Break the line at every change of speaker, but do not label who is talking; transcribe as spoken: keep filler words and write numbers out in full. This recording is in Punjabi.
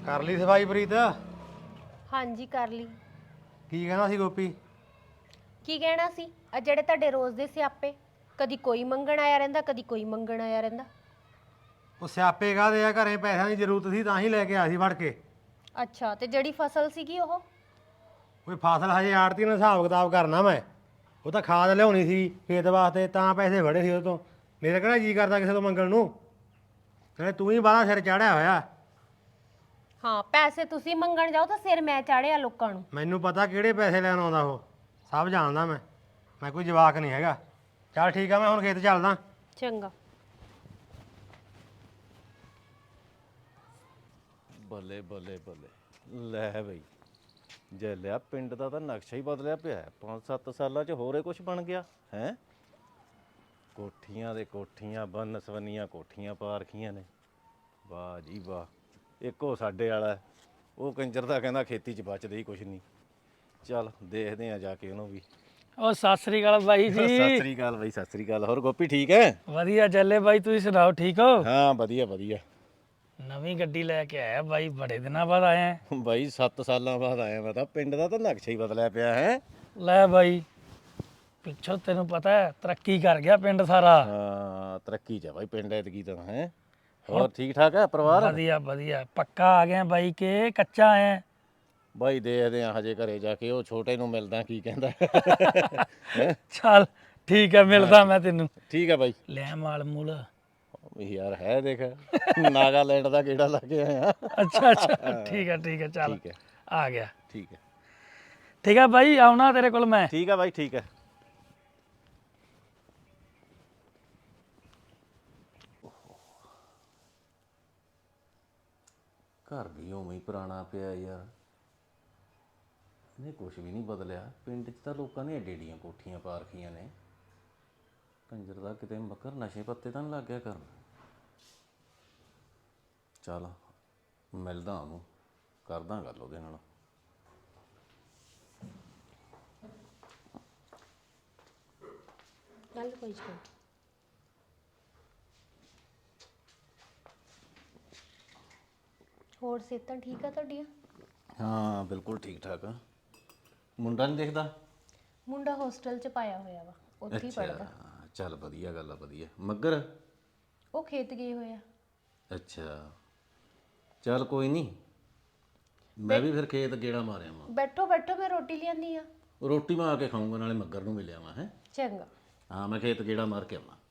ਕਰ ਲਈ ਸਫਾਈ ਪ੍ਰੀਤ?
ਹਾਂਜੀ ਕਰ ਲਈ।
ਕੀ ਕਹਿਣਾ ਸੀ ਗੋਪੀ?
ਕੀ ਕਹਿਣਾ ਸੀ? ਆ ਜਿਹੜੇ ਤੁਹਾਡੇ ਰੋਜ਼ ਦੇ ਸਿਆਪੇ, ਕਦੀ ਕੋਈ ਮੰਗਣ ਆਇਆ ਰਹਿੰਦਾ, ਕਦੀ ਕੋਈ ਮੰਗਣ ਆਇਆ ਰਹਿੰਦਾ।
ਉਹ ਸਿਆਪੇ ਕਾਹਦੇ ਆ, ਘਰੇ ਪੈਸਿਆਂ ਦੀ ਜ਼ਰੂਰਤ ਸੀ ਤਾਂ ਹੀ ਲੈ ਕੇ ਆਇਆ ਸੀ ਫੜ ਕੇ।
ਅੱਛਾ, ਤੇ ਜਿਹੜੀ ਫਸਲ ਸੀਗੀ ਉਹ?
ਕੋਈ ਫਸਲ ਹਜੇ ਆੜਤੀ ਨਾਲ ਹਿਸਾਬ ਕਿਤਾਬ ਕਰਨਾ ਮੈਂ। ਉਹ ਤਾਂ ਖਾਦ ਲਿਆਉਣੀ ਸੀ ਖੇਤ ਵਾਸਤੇ, ਤਾਂ ਪੈਸੇ ਫੜੇ ਸੀ ਉਹ ਤੋਂ। ਮੇਰਾ ਕਿਹੜਾ ਜੀ ਕਰਦਾ ਕਿਸੇ ਤੋਂ ਮੰਗਣ ਨੂੰ। ਨਾਲੇ ਤੂੰ ਹੀ ਬਾਹਲਾ ਸਿਰ ਚਾੜਿਆ ਹੋਇਆ।
ਹਾਂ, ਪੈਸੇ ਤੁਸੀਂ ਮੰਗਣ ਜਾਓ ਤਾਂ ਸਿਰ ਮੈਂ ਚਾੜਿਆ ਲੋਕਾਂ ਨੂੰ।
ਮੈਨੂੰ ਪਤਾ ਕਿਹੜੇ ਪੈਸੇ ਲੈਣ ਆਉਂਦਾ ਉਹ, ਸਭ ਜਾਣਦਾ ਮੈਂ। ਮੈਂ ਕੋਈ ਜਵਾਕ ਨਹੀਂ ਹੈਗਾ। ਚੱਲ ਠੀਕ ਆ, ਮੈਂ ਹੁਣ ਖੇਤ ਚੱਲਦਾ।
ਚੰਗਾ।
ਬੱਲੇ ਬੱਲੇ ਬੱਲੇ ਲੈ ਬਈ, ਜੇ ਲਿਆ ਪਿੰਡ ਦਾ ਤਾਂ ਨਕਸ਼ਾ ਹੀ ਬਦਲਿਆ ਪਿਆ। ਪੰਜ ਸੱਤ ਸਾਲਾਂ 'ਚ ਹੋਰੇ ਕੁਛ ਬਣ ਗਿਆ ਹੈ। ਕੋਠੀਆਂ ਦੇ ਕੋਠੀਆਂ, ਬੰਨ ਸਵੰਨੀਆਂ ਕੋਠੀਆਂ ਪਾ ਰੱਖੀਆਂ ਨੇ। ਵਾਹ ਜੀ ਵਾਹ। ਇੱਕੋ ਸਾਡੇ ਵਾਲਾ, ਉਹ ਕੰਜਰ ਦਾ ਕਹਿੰਦਾ ਖੇਤੀ 'ਚ ਬਚਦੇ ਹੀ ਕੁਛ ਨਹੀਂ। ਚੱਲ ਦੇਖਦੇ ਆ ਜਾ ਕੇ ਉਹਨੂੰ ਵੀ।
ਉਹ ਸਤਿ ਸ੍ਰੀ ਅਕਾਲ ਬਾਈ ਜੀ।
ਸਤਿ ਸ੍ਰੀ ਅਕਾਲ ਬਾਈ, ਸਤਿ ਸ੍ਰੀ ਅਕਾਲ। ਹੋਰ ਗੋਪੀ ਠੀਕ ਹੈ?
ਵਧੀਆ ਚੱਲੇ ਬਾਈ, ਤੁਸੀਂ ਸੁਣਾਓ ਠੀਕ ਹੋ?
ਹਾਂ ਵਧੀਆ ਵਧੀਆ।
ਨਵੀਂ ਗੱਡੀ ਲੈ ਕੇ ਆਇਆ ਬਾਈ, ਬੜੇ ਦਿਨਾਂ ਬਾਅਦ ਆਇਆ।
ਬਾਈ ਸੱਤ ਸਾਲਾਂ ਬਾਅਦ ਆਇਆ ਮੈਂ ਤਾਂ। ਪਿੰਡ ਦਾ ਤਾਂ ਨਕਸ਼ਾ ਹੀ ਬਦਲਿਆ ਪਿਆ ਹੈ।
ਲੈ ਬਾਈ, ਪਿੱਛੋਂ ਤੈਨੂੰ ਪਤਾ ਹੈ ਤਰੱਕੀ ਕਰ ਗਿਆ ਪਿੰਡ ਸਾਰਾ।
ਹਾਂ ਤਰੱਕੀ 'ਚ ਆ ਬਾਈ ਪਿੰਡ ਐਤਕੀ ਤਾਂ ਹੈ। ਹੋਰ ਠੀਕ ਠਾਕ ਹੈ ਪਰਿਵਾਰ?
ਵਧੀਆ ਵਧੀਆ। ਪੱਕਾ ਆ ਗਿਆ ਬਾਈ ਕਿ ਕੱਚਾ ਆਇਆ?
ਬਾਈ ਦੇਖਦੇ ਆ ਹਜੇ ਘਰੇ ਜਾ ਕੇ, ਉਹ ਛੋਟੇ ਨੂੰ ਮਿਲਦਾ ਕੀ ਕਹਿੰਦਾ।
ਚੱਲ ਠੀਕ ਹੈ, ਮਿਲਦਾ ਮੈਂ ਤੈਨੂੰ।
ਠੀਕ ਹੈ ਬਾਈ।
ਲੈ ਮਾਲ ਮੂਲ।
ਯਾਰ ਹੈ ਦੇਖ, ਨਾਗਾਲੈਂਡ ਦਾ ਕਿਹੜਾ ਲਾ ਕੇ ਆਇਆ।
ਅੱਛਾ ਅੱਛਾ, ਠੀਕ ਹੈ ਠੀਕ ਹੈ। ਚੱਲ
ਠੀਕ ਹੈ
ਆ ਗਿਆ।
ਠੀਕ ਹੈ
ਠੀਕ ਹੈ ਬਾਈ, ਆਉਣਾ ਤੇਰੇ ਕੋਲ ਮੈਂ।
ਠੀਕ ਹੈ ਬਾਈ ਠੀਕ ਹੈ। ਘਰ ਵੀ ਉਵੇਂ ਹੀ ਪੁਰਾਣਾ ਪਿਆ ਯਾਰ, ਇਹਨੇ ਕੁਛ ਵੀ ਨਹੀਂ ਬਦਲਿਆ। ਪਿੰਡ 'ਚ ਤਾਂ ਲੋਕਾਂ ਨੇ ਏਡੀ ਏਡੀਆਂ ਕੋਠੀਆਂ ਪਾ ਰੱਖੀਆਂ ਨੇ। ਕੰਜਰ ਦਾ ਕਿਤੇ ਮੱਕਰ ਨਸ਼ੇ ਪੱਤੇ ਤਾਂ ਨਹੀਂ ਲੱਗ ਗਿਆ ਕਰਨ। ਚੱਲ ਮਿਲਦਾ ਉਹਨੂੰ, ਕਰਦਾ ਗੱਲ ਉਹਦੇ ਨਾਲ।
ਗੱਲ ਕੋਈ ਨਹੀਂ। ਹੋਰ ਸਿਹਤਾਂ ਠੀਕ ਆ ਤੁਹਾਡੀਆਂ?
ਹਾਂ ਬਿਲਕੁਲ ਠੀਕ ਠਾਕ ਆ। ਮੁੰਡਾ ਨਹੀਂ ਦਿਖਦਾ?
ਮੁੰਡਾ ਹੋਸਟਲ 'ਚ ਪਾਇਆ ਹੋਇਆ ਵਾ, ਉੱਥੇ ਹੀ ਪੜਦਾ।
ਚੱਲ ਵਧੀਆ ਗੱਲ ਆ, ਵਧੀਆ। ਮੱਗਰ?
ਉਹ ਖੇਤ ਗਏ ਹੋਏ ਆ।
ਅੱਛਾ ਚੱਲ ਕੋਈ ਨਹੀਂ, ਮੈਂ ਵੀ ਫਿਰ ਖੇਤ ਗੇੜਾ ਮਾਰਿਆ ਵਾਂ।
ਬੈਠੋ ਬੈਠੋ, ਮੈਂ ਰੋਟੀ ਲਿਆਂਦੀ ਆ।
ਰੋਟੀ ਮੈਂ ਆ ਕੇ ਖਾਊਂਗਾ, ਨਾਲੇ ਮੱਗਰ ਨੂੰ ਮਿਲਿਆ ਵਾਂ ਹੈ।
ਚੰਗਾ।
ਹਾਂ ਮੈਂ ਖੇਤ ਗੇੜਾ ਮਾਰ ਕੇ ਆਵਾਂ।